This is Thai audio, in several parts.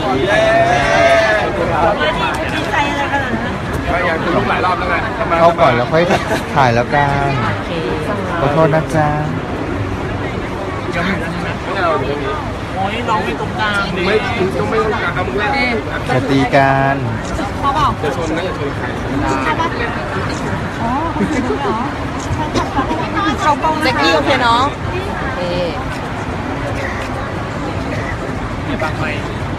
ดีใจอะไรขนาดนั้นก็อยากจะลุกหลายรอบแล้วไงเข้าก่อนแล้วค่อยถ่ายแล้วกันขอโทษนะจ๊ะไม่เอาตรงนี้โอ้ยน้องมีตรงกลางไม่ต้องไม่ต้องการทำแรกจะตีกันเขาบอกจะชนนะอย่าชนใครใช่ปะอ๋อจริงเหรอเขากล้องเซ็กซี่โอเคเนาะบางไหม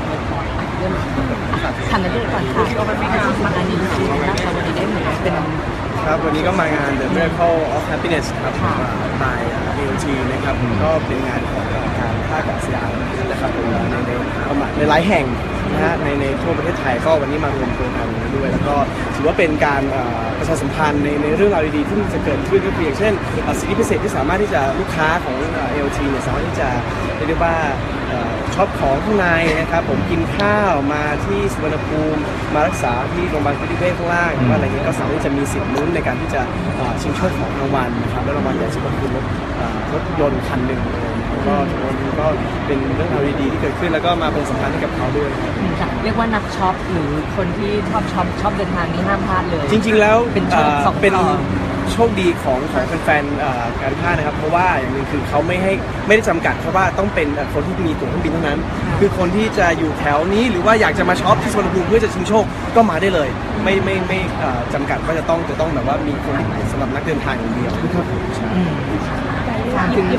ทันนั้นด้วยก่อนค่ะก็ไม่งานมาอันนี้คือน่าจะวันนี้ได้เหมือนเป็นครับวันนี้ก็มางาน The Miracle of Happiness ครับบาย AOT นะครับก็เป็นงานของการท่าอากาศยานนะครับผมในหลายแห่งนะฮะในทั่วประเทศไทยก็วันนี้มารวมตัวกันด้วยแล้วก็ถือว่าเป็นการประชาสัมพันธ์ในเรื่องราวดีๆที่จะเกิดขึ้นก็คืออย่างเช่นสิทธิพิเศษที่สามารถที่จะลูกค้าของ AOT เนี่ยสามารถที่จะเรียกว่าช็อปของข้างในนะครับผมกินข้าวมาที่สุวรรณภูมิมารักษาที่โรงพยาบาลพิธีเวชข้างล่างหรือว่าอะไรเงี้ยก็สามารถที่จะมีสิทธิ์ลุ้นในการที่จะชิงโชคของรางวัลนะครับแล้วรางวัลใหญ่สุดก็คือรถยนต์คันหนึ่งเลยก็ก็เป็นเรื่องราวดีๆที่เกิดขึ้นแล้วก็มาเป็นสำคัญให้กับเขาด้วยเรียกว่านักช็อปหรือคนที่ชอบเดินทางนี้ห้ามพลาดเลยจริงๆแล้วเป็นโชคสองเป็นโชคดีของแฟนๆการท่านะครับเพราะว่าอย่างหนึ่งคือเขาไม่ได้จำกัดเพราะว่าต้องเป็นคนที่มีตั๋วเครื่องบินเท่านั้นคือคนที่จะอยู่แถวนี้หรือว่าอยากจะมาช็อปที่สุวรรณภูมิเพื่อจะชิงโชคก็มาได้เลยไม่จำกัดว่าจะต้องแบบว่ามีคนสำหรับนักเดินทางอย่างเดียวถามถึง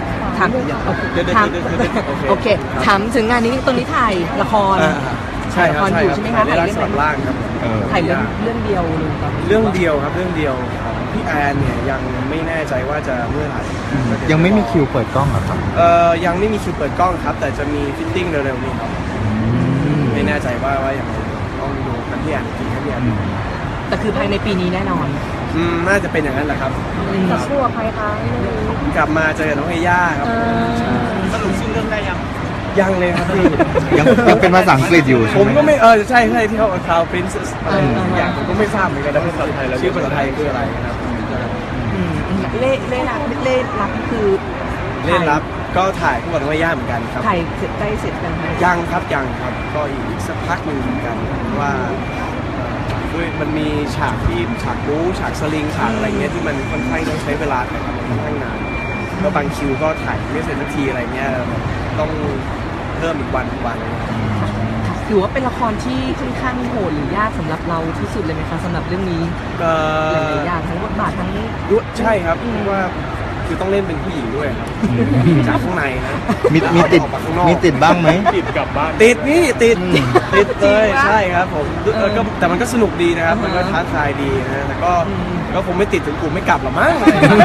โอเคถามถึงงานนี้ตรงนี้ถ่ายละครใช่ครับอยู่ใช่ไหมคะถ่ายเรื่องสลับล่างครับถ่ายเรื่องเดียวเลยเรื่องเดียวครับเรื่องเดียวพี่แอนเนี่ยยังไม่แน่ใจว่าจะเมื่อไหร่ยังไม่มีคิวเปิดกล้องเหรอครับยังไม่มีคิวเปิดกล้องครับแต่จะมีฟิตติ้งเร็วๆนี้ครับไม่แน่ใจว่าอย่างไรต้องดูกันที่แอนทีครับพี่แอนแต่คือภายในปีนี้แน่นอนน่าจะเป็นอย่างนั้นแหละครับจะชั่วใครคะกลับมาเจอกับน้องเอย่าครับสรุปชื่อเรื่องได้ยังเลยครับพี่ยังเป็นภาษาอังกฤษอยู่ผมก็ไม่ใช่ที่เขาคาวพรินเซสอะไรอย่างผมก็ไม่ทราบเหมือนกันนะภาษาไทยแล้วชื่อภาษาไทยคืออะไรครับเล่รับคือเล่นรับก็ถ่ายคู่กับน้องเอย่าเหมือนกันครับถ่ายเสร็จใกล้เสร็จกันไหมยังครับก็อีกสักพักหนึ่งเหมือนกันว่าด้วยมันมีฉากบู๊ฉากสลิงฉากอะไรเงี้ยที่มันค่อนข้างต้องใช้เวลาถ่ายทำค่อนข้างนานก็บางคิวก็ถ่ายไม่เสร็จสักทีอะไรเงี้ยต้องเพิ่มอีกวันถือว่าเป็นละครที่ค่อนข้างโหดหรือยากสำหรับเราที่สุดเลยไหมคะสำหรับเรื่องนี้หลายอย่างทั้งบทบาททั้งใช่ครับเพราะว่าคือต้องเล่นเป็นผู้หญิงด้วยครับจากข้างในนะมีติดบ้างไหมติดกลับบ้านติดเลยใช่ครับผมก็แต่มันก็สนุกดีนะครับมันก็ท้าทายดีนะแต่ก็คงไม่ติดถึงกลุ่มไม่กลับหรอกมั้ง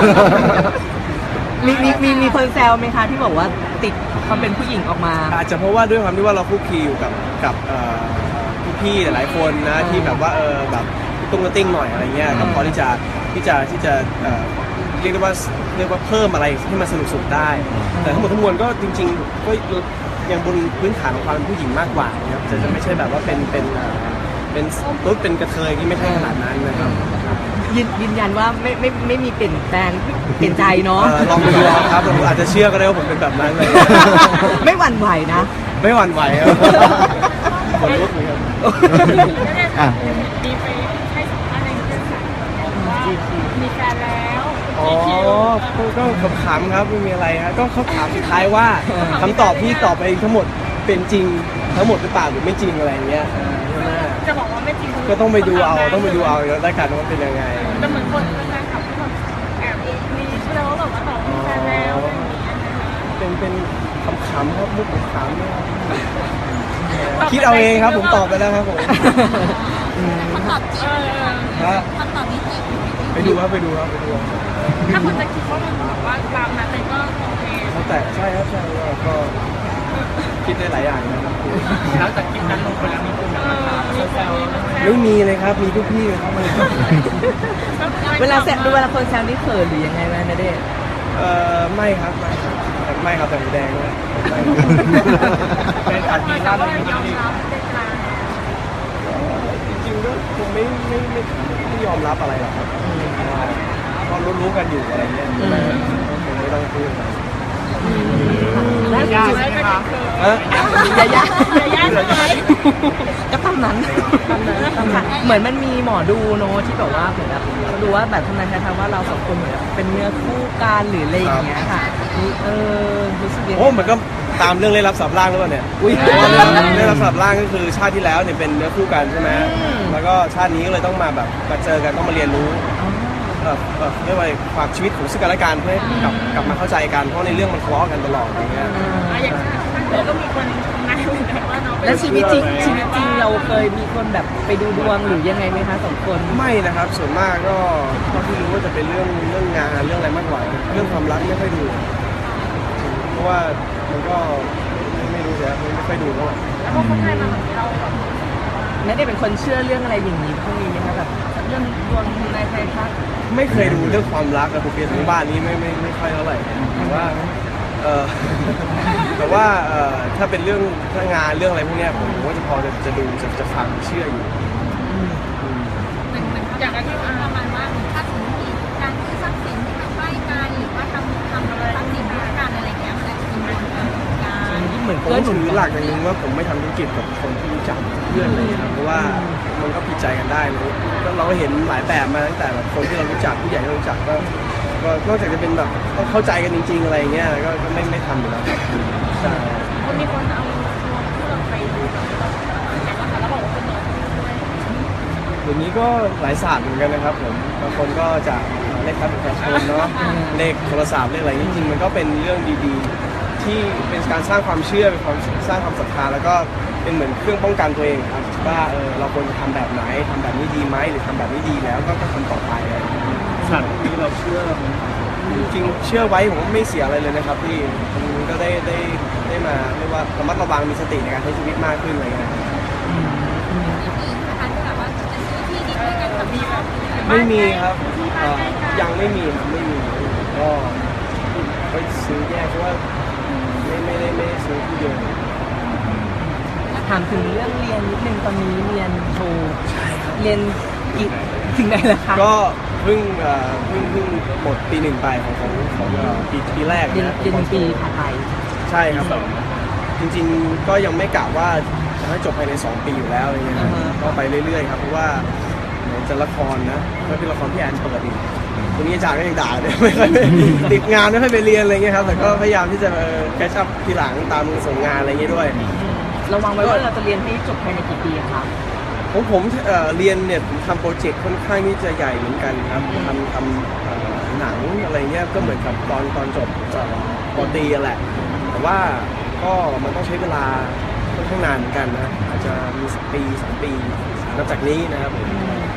มีคนแซวไหมคะที่บอกว่าติดความเป็นผู้หญิงออกมาอาจจะเพราะว่าด้วยความที่ว่าเราคุกคีอยู่กับพี่ๆหลายๆคนนะที่แบบว่าแบบตุ้งกระติ้งหน่อยอะไรเงี้ยก็พอที่จะเรียกว่าเพิ่มอะไรให้มันสนุกได้ แต่ทั้งหมดทั้งมวลก็จริงๆก็ยังบนพื้นฐานของความเป็นผู้หญิงมากกว่านะครับจะไม่ใช่แบบว่าเป็นตุ๊ดเป็นกระเทยที่ไม่ใช่ขนาดนั้นนะครับยืนยันว่าไม่มีเปลี่ยนแปลงเปลี่ยนใจเนาะลองดูครับผมอาจจะเชื่อก็ได้ว่าผมเป็นแบบนั้นเลยไม่หวั่นไหวนะไม่หวั่นไหวครับคนลุกเลยครับมีไปให้สัมภาษณ์ในเรื่องว่ามีแฟนแล้วก็ขำครับไม่มีอะไรครับก็เขาถามสุดท้ายว่าคำตอบที่ตอบไปทั้งหมดเป็นจริงทั้งหมดหรือเปล่าหรือไม่จริงอะไรเงี้ยจะบอกว่าไม่จริงก็ต้องไปดูเอาแล้วได้กันว่าเป็นยังไงแต่เหมือนคนแฟนคลับที่แบบแอบมีเชื่อว่าแบบว่าตอบมีแฟนแล้วเป็นขำๆครับมุกขำคิดเอาเองครับผมตอบไปแล้วครับผมคำตอบจริงคำตอบนี้จริงไปดูครับถ้าคนจะคิดว่ามันแบบว่าตามนั้นก็โอเคแต่ใช่ครับก็คิดได้หลายอย่างนะครับแล้วจากคลิปนั้นลงไปแล้วมีคนแบบมาถามแซวไม่มีเลยครับมีทุกพี่ครับเวลาคนแซวนี่เขินหรือยังไงนะณเดชน์ไม่ครับแต่แดงเลยเป็นอัดมีร้านอะไรจริงๆก็คงไม่ยอมรับอะไรหรอกครับเพราะรู้กันอยู่อะไรเงี้ยคงไม่ต้องพูดแล้วย่าใช่ไหมคะฮะยายาย่าใช่ไหมก็ตามนั้นค่ะเหมือนมันมีหมอดูเนอะที่แบบว่าเหมือนแบบเขาดูว่าแบบทำนายทายว่าเราสองคนเหมือนแบบเป็นเนื้อคู่กันหรืออะไรอย่างเงี้ยค่ะนี่รู้สึกยังไงโอ้มันก็ตามเรื่องเล่นลับสับล่างหรือเปล่าเนี่ยอุ้ยเล่นลับสับล่างก็คือชาติที่แล้วเนี่ยเป็นเนื้อคู่กันใช่ไหมแล้วก็ชาตินี้ก็เลยต้องมาแบบมาเจอกันต้องมาเรียนรู้เรียกว่าความชีวิตของซึ่งกันและกันเพื่อให้กลับมาเข้าใจกันเพราะในเรื่องมันทะเลาะกันตลอดอย่างเงี้ยอย่างเราก็มีคนทำนายเหมือนกันว่าน้องเป็นแล้วชีวิตจริงเราเคยมีคนแบบไปดูดวงหรือยังไงไหมคะสองคนไม่นะครับส่วนมากก็เท่าที่รู้ว่าจะเป็นเรื่องงานเรื่องอะไรมากกว่าเรื่องความรักไม่ค่อยดู เพราะว่ามันก็ไม่รู้สิไม่ค่อยดูเท่าไหร่แล้วพอเขาทายมาแบบนี้เราแบบไม่ได้เป็นคนเชื่อเรื่องอะไรอย่างนี้พวกนี้ไหมคะแบบเรื่องดวงทำนายทายทักไม่เคยดูเรื่องความรักกับผมเพียรทั้งบ้านนี้ไม่ค่อยเท่าไหร่แต่ว่าเออ แต่ว่าถ้าเป็นเรื่องถ้างานเรื่องอะไรพวกเนี้ยผมก็จะพอจะดูจะฟังเชื่ออยู่อย่างที่ประมาณว่าถ้าสมมติมีการซื้อทรัพย์สินที่มันใกล้กันหรือว่าทำอะไรทรัพย์สินด้วยกันอะไรอย่างเงี้ยมันอาจจะมีผลต่อการที่เหมือนผมเกื้อหนุถืนอหลักอย่างหนึงว่าผมไม่ทำธุรกิจกับคนที่รู้จักเพื่อนเลยครับเพราะว่ามันก็ผิดใจกันได้เลยเราก็เห็นหลายแบบมาตั้งแต่แบบคนที่เรารู้จักผู้ใหญ่ที่เรารู้จักก็นอกจากจะเป็นแบบต้องเข้าใจกันจริงๆอะไรเงี้ยก็ไม่ทำอยู่แล้วครับใช่คนมีคนเอาดวงที่เราไปดูแบบเราแล้วบอกว่าเป็นดวงด้วยเดี๋ยวนี้ก็หลายศาสตร์เหมือนกันนะครับผมบางคนก็จะเลขบัตรประชาชนเนาะเลขโทรศัพท์เลขอะไรจริงๆมันก็เป็นเรื่องดีๆ ที่เป็นการสร้างความเชื่อเป็นความสร้างความศรัทธาแล้วก็เป็นเหมือนเครื่องป้องกันตัวเองครับว่าเราควรจะทำแบบไหนทำแบบนี้ดีไหมหรือทำแบบนี้ดีแล้วก็ทำต่อไปอะไรอย่างเงี้ยศาสตร์นี้เราเชื่อไหมจริงๆเชื่อไว้ผมว่าไม่เสียอะไรเลยนะครับพี่มันก็ได้มาเรียกว่าระมัดระวังมีสติในการใช้ชีวิตมากขึ้นอะไรเงี้ยไม่มีครับยังไม่มีครับไม่มีก็ไปซื้อแยกเพราะว่าไม่ได้ซื้อที่เดียวถามถึงเรื่องเรียนนิดนึงตอนนี้เรียนโทเรียนอีกถึงไหนแล้วคะก็เพิ่งหมดปีหนึ่งไปของปีแรกเรียนนะหนึ่งปีผ่านไปใช่ครับจริงๆก็ยังไม่กะว่าจะให้จบภายใน2 ปีอยู่แล้วอะไรเงี้ยก็ไปเรื่อยๆครับเพราะว่าไหนจะละครนะก็เป็นละครที่แอนเปิดอีกตรงนี้อาจารย์ก็ยังด่าเลยไม่ค่อยติดงานไม่ค่อยไปเรียนอะไรเงี้ยครับแต่ก็พยายามที่จะแคชชัพทีหลังตามส่งงานอะไรเงี้ยด้วยเราวางไว้ว่าเราจะเรียนให้จบภายในกี่ปีอะคะผมเรียนเนี่ยผมทำโปรเจกต์ค่อนข้างที่จะใหญ่เหมือนกันครับทำหนังอะไรเงี้ยก็เหมือนกับตอนจบปตรีแหละแต่ว่าก็มันต้องใช้เวลาค่อนข้างนานเหมือนกันนะอาจจะมีปี2 ปีนับจากนี้นะครับผม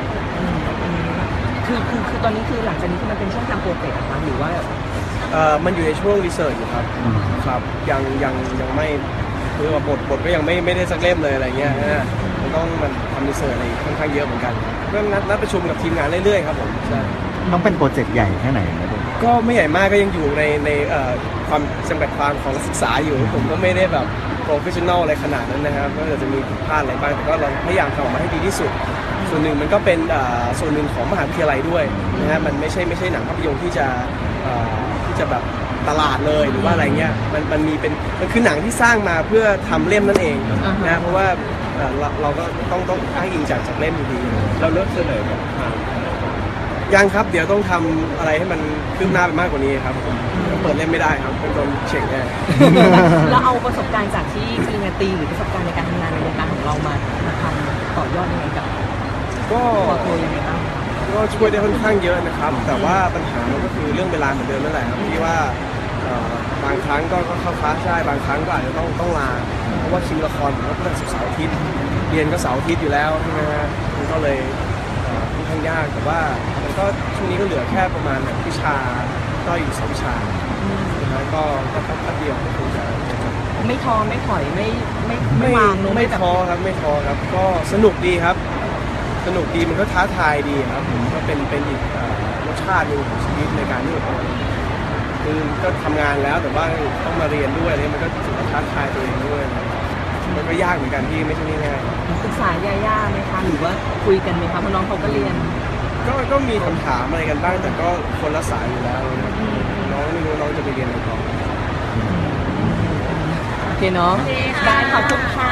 คือตอนนี้คือหลังจากนี้คือมันเป็นช่วงทำโปรเจกต์อะคะหรือว่ามันอยู่ในช่วงรีเสิร์ชอยู่ครับครับยังไม่คือว่าบทก็ยังไม่ได้สักเล่มเลยอะไรเงี้ยนะมันต้องมันทำรีเสิร์ชอะไรค่อนข้างเยอะเหมือนกันก็นัดประชุมกับทีมงานเรื่อยๆครับผมใช่ต้องเป็นโปรเจกต์ใหญ่แค่ไหนนะดูก็ไม่ใหญ่มากก็ยังอยู่ในความจำกัดความของนักศึกษาอยู่ผมก็ไม่ได้แบบโปรเฟชชั่นอลอะไรขนาดนั้นนะครับก็จะมีผิดพลาดอะไรบ้างแต่ก็เราพยายามทำออกมาให้ดีที่สุดส่วนหนึ่งมันก็เป็นส่วนหนึ่งของมหาวิทยาลัยด้วยนะฮะมันไม่ใช่หนังภาพยนตร์ที่จะแบบตลาดเลยหรือว่าอะไรเงี้ยมันมีเป็นมันคือหนังที่สร้างมาเพื่อทำเล่มนั่นเองนะเพราะว่าเราก็ต้องอ้างอิงจากเล่มอยู่ดีเราเริ่มเสนอแบบยังครับเดี๋ยวต้องทำอะไรให้มันคืบหน้าไปมากกว่านี้ครับผมเปิดเล่มไม่ได้ครับเป็นโดนเฉ่งแน่เราเอาประสบการณ์จากที่ปริญญาตรีหรือประสบการณ์ในการทำงานในวงการของเรามาทำต่อยอดยังไงกับก็ตัวโทยังไงบ้างก็ช่วยได้ค่อนข้างเยอะนะครับ แต่ว่าปัญหามันก็คือเรื่องเวลาเหมือนเดิมนั่นแหละครับที่ว่าบางครั้งก็เข้าคลาสได้บางครั้งก็อาจจะต้องลาเพราะว่าคิวละครผมก็เป็นศุกร์เสาร์อาทิตย์เรียนก็เสาร์อาทิตย์อยู่แล้วใช่ไหมฮะมันก็เลยค่อนข้างยากแต่ว่ามันก็ช่วงนี้ก็เหลือแค่ประมาณวิชาก็อยู่2 วิชานะก็แป๊บเดียวก็คงจะไม่ท้อไม่ถอยไม่วางลงไม่แบบท้อครับไม่ท้อครับก็สนุกดีครับ สนุกดีมันก็ท้าทายดีครับก็เป็นอีกรสชาติหนึงของชีวิตในการที่แบบคือก็ทำงานแล้วแต่ว่าต้องมาเรียนด้วยอะไรมันก็ถือว่าท้าทายตัวเองด้วยมันก็ยากเหมือนกันที่ไม่ใช่ง่ายปรึกษาย่าๆไหมคะหรือว่าคุยกันไหมคะเพราะน้องเขาก็เรียนๆก็มีคำถามอะไรกันบ้างแต่ก็คนละสายอยู่แล้วนะน้องไม่รู้น้องจะไปเรียนอะไรต่อเคเนาะได้ขอบคุณค่ะ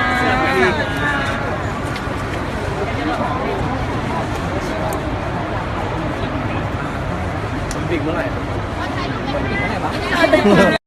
บิ๊กเมื่อไหร่อีกเท่าไหร่วะ